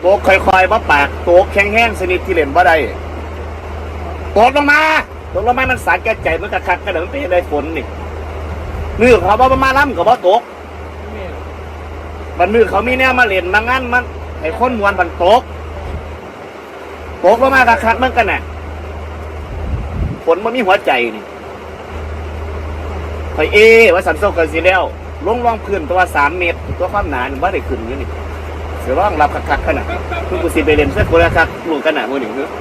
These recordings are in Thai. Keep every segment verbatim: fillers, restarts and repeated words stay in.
โตกค่อยๆบ่ปากโตกแข็งๆสนิทที่เล่นบ่ได้ตกลงมาตกลงมามันสาแก่ใจมันกระคักกระเดิมไปได้ฝนนี่มือเขาบ่มาล้ำกับบ่ตกมันมือเขามีแนวมาเล่นมางั้นมันให้คนมวนมันตกตกลงมากระคักมันกันน่ะฝนมันมีหัวใจนี่ไฟเอว่าสันโซกันสิแล้วลงรองพื้นตัวสามเมตรตัวความหนาว่าได้ขึ้นอยู่นี่เสือร้องรับคักๆขนาดคือกูสิไปเล่นเสื้อโคราคักลูกกันหนามือหนึ่งเนื้อ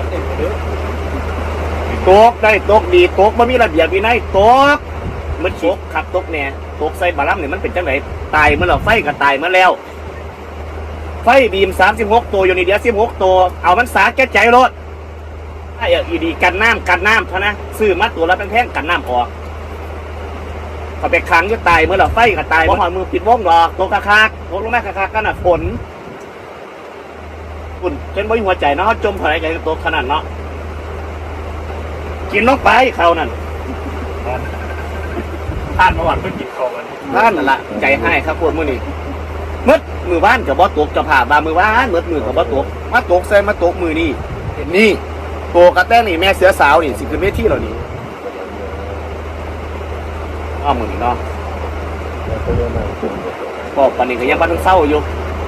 ตกได้ตกดีตกมันมีระเบียบวินัยตกมันตกขับตกเนี่ยตกใส่บาลัมเนี่ยมันเป็นจังไหนตายเมื่อเราไฟก็ตายเมื่อแล้วไฟบีมสามสิบหกตัวอยู่ในเดียวสิบหกตัวเอามันสาแก้ใจรถไอ้อีดีกันน้ำกันน้ำเท่านะซื้อมาตัวละแพงๆกันน้ำออกเขาไปค้างจะตายเมื่อเราไฟก็ตายเพราะหอยมือปิดวงดอกตกคักๆตกลงแม่คักๆกันน่ะฝนฝุ่นจนบ่มีหัวใจเนาะจมหายใจตกขนาดเนาะกินลงไปเขานั่นท่านเมื่อวานเพิ่งกินเขากันท่านนั่นละใจให้ครับพวกมือนี่มืดมือบ้านกับบ่ตกจะผ่าบามือบ้านมืดมือกับบ่ตกมาตกใส่มาตกมือนี่นี่โตกระแตงนี่แม่เสือสาวนี่สิคือเวทีเรานี่อ้อมือนี่เนาะบอกปันนี้ก็ยังบ้านต้องเศร้าอยู่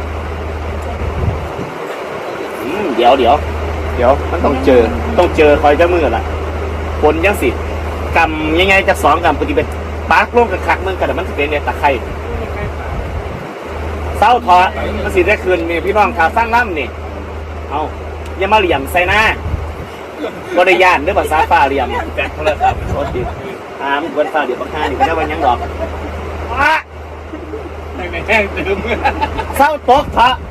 เดี๋ยวเดี๋ยวเดี๋ยวมันต้องเจอต้องเจอคอยจะมือละฝนยังสิกำยังไงจะสองกำปฏิบัติปาร์กลงกับคักเมืองกันแต่มันสิเป็นเนี่ยตะไคร่เศร้าทอมันสิได้คืนมีพี่น้องขาสร้างล่ำนี่เอาอย่ามาเหลี่ยมใส่หน้าบริยานเรื่องภาษาป่าเหลี่ยมแกะโทรศัพท์โอ้ดิอ่ามึงควรฟ้าเดี๋ยวบังคับนี่ก็ได้วันยังดอกอ่ะแห้งเติมเศร้าตกพระ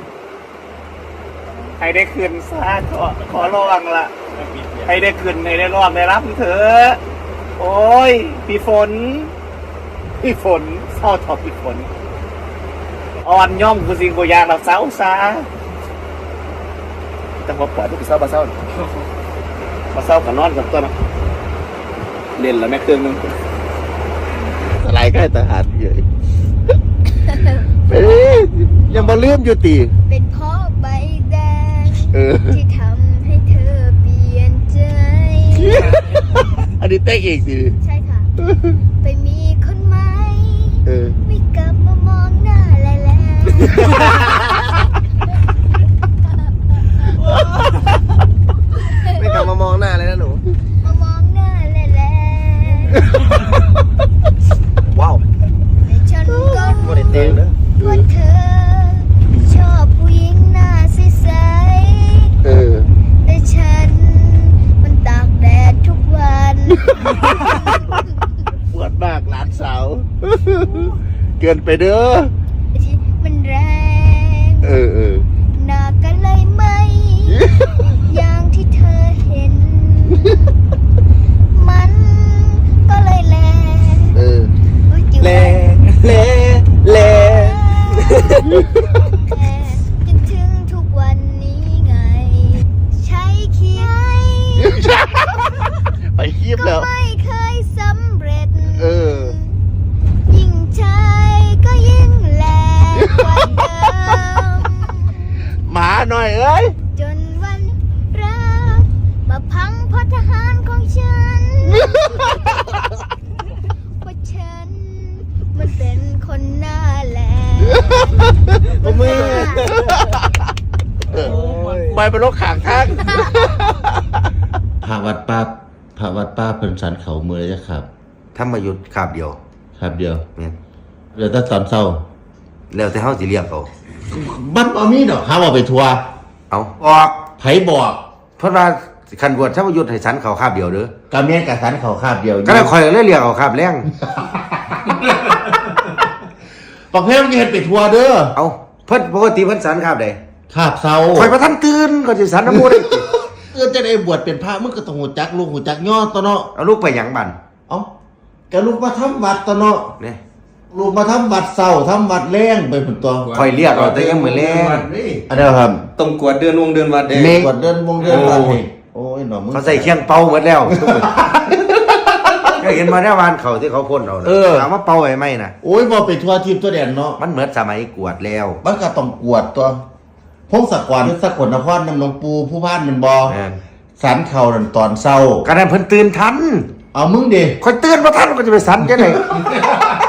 ใครได้คืนซาขอขอร้องละใครได้คืนใครได้ร้องได้รับเถอะโอ้ยพี่ฝนพี่ฝนเศร้าทอพี่ฝนอ่อนย่อมกูสิงกูยางเราเศร้าซาแต่พอปล่อยทุกเศร้ามาเศร้ามาเศร้ากับนอนกับตัวนะเล่นแล้วแม่เครื่องนึงอะไรก็ให้ทหารเยอะไปยังมาเลื่อมอยู่ตีเป็นเพราะใบแดงที่ทำให้เธอเปลี่ยนใจอันนี้เต้เองสิใช่ค่ะไปมีคนใหม่ไม่กลับมามองหน้าแล้วไม่กลับมามองหน้าเลยนะหนูมามองหน้าแล้วว้าวแต่ฉันก็โมเดลเต้เนอะว่าเธอชอบผู้หญิงหน้าใสๆแต่ฉันมันตากแดดทุกวันปวดมากหลานสาวเกินไปเด้อมันแรงเออเออหน้ากันเลยไหมอย่างที่เธอเห็นมันก็เลยแรงเออแรงแรงแรงจนถึงทุกวันนี้ไงใช้คีย์ไปคีบแล้วก็ไม่เคยสำเร็จเออยิ่งใช้ก็ยิ่งแรงกว่าเดิมหมาหน่อยเอ้ยจนวันรักมาพังเพราะทหารของฉันเพราะฉันมันเป็นคนหน้าแหลมมือไปเป็นรถขางทางพระวัดป้าพระวัดป้าเพิ่นสันเขาเมื่อไรครับธรรมยุทธ์คาบเดียวครับเดียวเนี่ยเหลือแต่ตอนเศร้าแล้วแต่เฮาสิเรียกเอาบัดบ่มีดอกห้ามเอาไปทัวร์เอาบอกไผบอกเพราะว่าคันบวชธรรมยุทธ์ให้สันเขาคาบเดียวเด้อกะแม่นกะสันเขาคาบเดียวก็เลยข่อยเลยเรียกเอาคาบแรงปักเพลมันเฮ็ดไปทัวร์เด้อเอาเพิ่นปกติเพิ่นสันคาบใดคาบเศร้าข่อยบ่ทันตื่นก็สิสันน้ำมูได้เออจะได้บวชเป็นพระมึงก็ต้องหูจักลูกหูจักย่อตอเนาะเอาลูกไปหยังบั่นเอ้าก็ลูกมาทำวัดตอเนาะนี่ลูกมาทำวัดเศร้าทำวัดแรงไปพุ่นตัวข่อยเรียกเอาแต่ยังมื้อแลงอันเดียวครับต้องกวดเดือนวงเดือนวัดเด้กวดเดือนวงเดือนวัดนี่โอ้ยหนอมึงเขาใส่เคียงเป่าหมดแล้วก็เห็นมาได้วานเขาที่เขาพ่นเอาถามว่าเป่าไว้ไหมนะโอ้ยบ่ไปทัวร์ทีมตัวแดนเนาะมันเหมือนสมัยกวดแล้วมันก็ต้องกวดตัวพงศกรสกลนครนำหลวงปู่ผู้พานมันบ่แม่นสันเข่านั่นตอนเช้าก็นั้นเพิ่นตื่นทันเอามึงดิค่อยตื่นบ่ทันก็จะไปสันจังได๋